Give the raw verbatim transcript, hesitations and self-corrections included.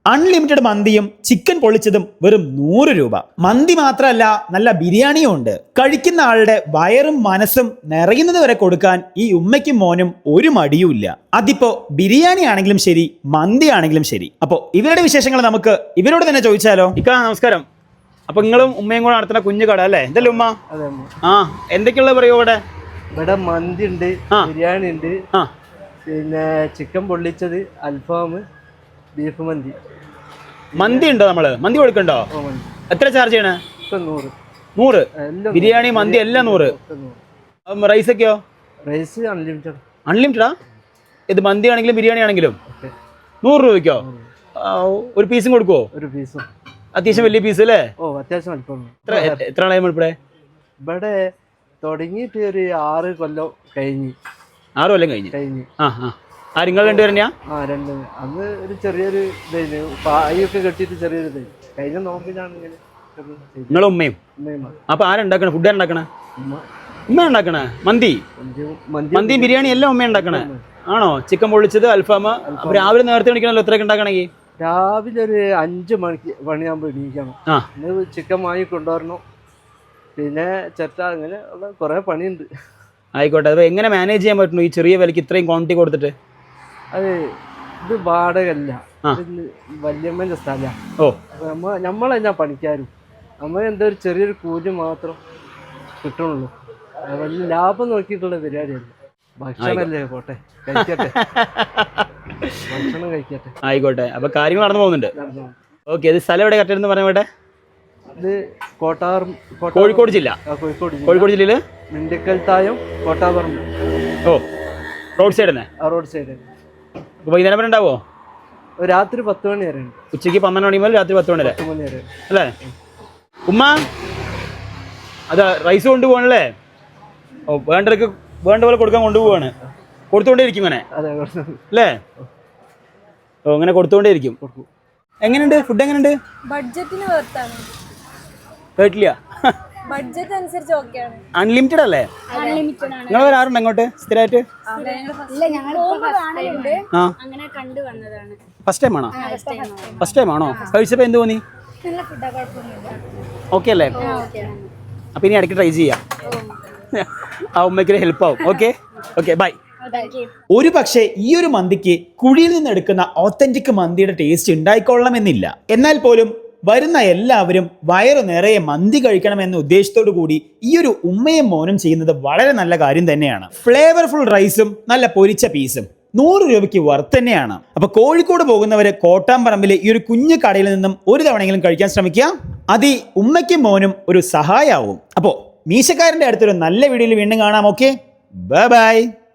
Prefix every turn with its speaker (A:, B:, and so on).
A: Unlimited മന്തിയും chicken പൊള്ളിച്ചതും വെറും നൂറ് രൂപ. മന്തി മാത്രമല്ല, നല്ല ബിരിയാണിയും ഉണ്ട്. കഴിക്കുന്ന ആളുടെ വയറും മനസ്സും നിറയുന്നത് വരെ കൊടുക്കാൻ ഈ ഉമ്മയ്ക്കും മോനും ഒരു മടിയുമില്ല. അതിപ്പോ ബിരിയാണി ആണെങ്കിലും ശരി, മന്തി ആണെങ്കിലും ശരി. അപ്പോ ഇവരുടെ വിശേഷങ്ങൾ നമുക്ക് ഇവരോട് തന്നെ ചോദിച്ചാലോ? ഇക്ക നമസ്കാരം. അപ്പൊ നിങ്ങളും ഉമ്മയും കൂടെ നടത്തുന്ന കുഞ്ഞു കട അല്ലേ? എന്തല്ലേ ഉമ്മ? ആ, എന്തൊക്കെയുള്ള പറയൂ ഇവിടെ?
B: ഇവിടെ മന്തി ഉണ്ട്, ബിരിയാണി ഉണ്ട്, പിന്നെ ചിക്കൻ പൊള്ളിച്ചത്, അൽഫാം, ബീഫ് മന്തി.
A: മന്തി ഉണ്ടോ? നമ്മള് മന്തി കൊടുക്കണ്ടോ? എത്ര ചാർജ് ചെയ്യണേ?
B: നൂറ്.
A: നൂറ്? ബിരിയാണി മന്തി എല്ലാം നൂറ്. റൈസ് ഒക്കെയോ?
B: Rice unlimited.
A: അൺലിമിറ്റഡാ? ഇത് മന്തി ആണെങ്കിലും ബിരിയാണി ആണെങ്കിലും നൂറ് രൂപയ്ക്കോ? ഒരു പീസും കൊടുക്കുവോ?
B: ഒരു പീസും.
A: അത്യാവശ്യം വലിയ പീസ് അല്ലേ?
B: ഓ, അത്യാവശ്യം അല്പം.
A: എത്ര ആളായി ഇവിടെ?
B: ഇവിടെ തുടങ്ങിയിട്ട് ഒരു ആറ് കൊല്ലം കഴിഞ്ഞ്.
A: ആറ് കൊല്ലം കഴിഞ്ഞ്
B: കഴിഞ്ഞ്
A: ആ ആ ആ നിങ്ങൾ രണ്ടുപേരെന്നെയാ?
B: ആ, രണ്ട്. അന്ന് ഒരു ചെറിയൊരു ഇതായിരുന്നു, പായൊക്കെ കെട്ടിയിട്ട് ചെറിയൊരു ഇതായി. കഴിഞ്ഞ നോക്കിയാണ് ഇങ്ങനെ.
A: നിങ്ങളും ഉമ്മയും? അപ്പൊ ആരുണ്ടാക്കണേ? ഫുഡ് ഉണ്ടാക്കണേ? ഉമ്മ ഉണ്ടാക്കണേ? മന്തി മന്തിയും ബിരിയാണി എല്ലാം ഉമ്മ ഉണ്ടാക്കണേ ആണോ? ചിക്കൻ പൊള്ളിച്ചത്, അൽഫാമ. അപ്പൊ രാവിലെ നേരത്തെ എണീക്കണല്ലോ, എത്രയൊക്കെ ഉണ്ടാക്കണമെങ്കിൽ?
B: രാവിലെ ഒരു അഞ്ച് മണിക്ക് പണിയാകുമ്പോൾ എണീക്കണം. ഇന്ന് ചിക്കൻ വാങ്ങി കൊണ്ടുവരണം, പിന്നെ ചെറ്റ, അങ്ങനെ ഉള്ള കുറെ പണിയുണ്ട്.
A: ആയിക്കോട്ടെ. അത് എങ്ങനെ മാനേജ് ചെയ്യാൻ പറ്റുന്നു ഈ ചെറിയ വിലക്ക് ഇത്രയും ക്വാണ്ടിറ്റി കൊടുത്തിട്ട്?
B: അത് ഇത് വാടകല്ല, വല്യമ്മന്റെ സ്ഥലമാണ്.
A: ഓ,
B: നമ്മ നമ്മളെന്നാ പണിക്കാരും, നമ്മൾ എന്താ ഒരു ചെറിയൊരു കൂലി മാത്രം കിട്ടണുള്ളൂ. വലിയ ലാഭം നോക്കിയിട്ടുള്ള പരിപാടിയല്ല. ഭക്ഷണമല്ലേ, പോട്ടെ കഴിക്കട്ടെ, ഭക്ഷണം കഴിക്കട്ടെ.
A: ആയിക്കോട്ടെ. അപ്പൊ കാര്യങ്ങൾ നടന്നു പോകുന്നുണ്ട്. ഓക്കെ. ഇത് സ്ഥലം എവിടെ കറക്റ്റ് പറഞ്ഞ ഇവിടെ?
B: ഇത് കോട്ടാറും,
A: കോഴിക്കോട് ജില്ല.
B: കോഴിക്കോട്
A: കോഴിക്കോട് ജില്ലയില്
B: മിണ്ടിക്കൽ തായം, കോട്ടാപറമ്പ്.
A: ഓ, റോഡ് സൈഡ് തന്നെ?
B: ആ, റോഡ് സൈഡ്.
A: വൈകുന്നേരം വരെ ഉണ്ടാവോ?
B: രാത്രി പത്ത് മണി വരെ.
A: ഉച്ചയ്ക്ക് പന്ത്രണ്ട് മണി മുതൽ രാത്രി പത്ത് മണി വരെ
B: വരെ
A: അല്ലേ? ഉമ്മ, അതാ റൈസ് കൊണ്ടുപോകണല്ലേ? ഓ, വേണ്ടവർക്ക് വേണ്ട പോലെ കൊടുക്കാൻ കൊണ്ടുപോവാണ്. കൊടുത്തുകൊണ്ടേ ഇരിക്കും ഇങ്ങനെ അല്ലേ? ഓ, അങ്ങനെ കൊടുത്തുകൊണ്ടേ ഇരിക്കും. എങ്ങനെയുണ്ട് ഫുഡ്? എങ്ങനെയുണ്ട്?
C: ബഡ്ജറ്റിന് വർത്താണ്.
A: കേട്ടില്ല.
C: ബഡ്ജറ്റ് അനുസരിച്ച് ഓക്കെയാണ്.
A: അൺലിമിറ്റഡ് അല്ലേ?
C: അൺലിമിറ്റഡ് ആണ്.
A: നിങ്ങൾ വരാറുണ്ട് അങ്ങോട്ട് സ്ഥിരമായിട്ട്?
C: അങ്ങനെ കണ്ടു വന്നതാണ്.
A: ഫസ്റ്റ് ടൈം ആണോ? ഫസ്റ്റ് ടൈം ആണോ? കഴിച്ചപ്പോ എന്ത് തോന്നി? ഓക്കെ അല്ലേ? അപ്പൊ ഇനി ഇടയ്ക്ക് ട്രൈ ചെയ്യാം. ആ ഉമ്മയ്ക്ക് ഹെൽപ്പ് ആവും. Okay okay, bye. ഒരു പക്ഷേ ഈ ഒരു മന്തിക്ക് കുഴിയിൽ നിന്ന് എടുക്കുന്ന ഓത്തന്റിക് മന്തിയുടെ ടേസ്റ്റ് ഉണ്ടായിക്കൊള്ളണമെന്നില്ല. എന്നാൽ പോലും വരുന്ന എല്ലാവരും വയറു നിറയെ മന്തി കഴിക്കണമെന്ന ഉദ്ദേശത്തോടു കൂടി ഈ ഒരു ഉമ്മയും മോനും ചെയ്യുന്നത് വളരെ നല്ല കാര്യം തന്നെയാണ്. ഫ്ലേവർഫുൾ റൈസും നല്ല പൊരിച്ച പീസും നൂറ് രൂപയ്ക്ക് വർത്ത് തന്നെയാണ്. അപ്പൊ കോഴിക്കോട് പോകുന്നവര് കോട്ടാമ്പറമ്പിലെ ഈ ഒരു കുഞ്ഞു കടയിൽ നിന്നും ഒരു തവണയെങ്കിലും കഴിക്കാൻ ശ്രമിക്കുക. അത് ഈ ഉമ്മയ്ക്കും മോനും ഒരു സഹായമാവും. അപ്പോ മീശക്കാരന്റെ അടുത്തൊരു നല്ല വീഡിയോയിൽ വീണ്ടും കാണാം. Okay, bye by.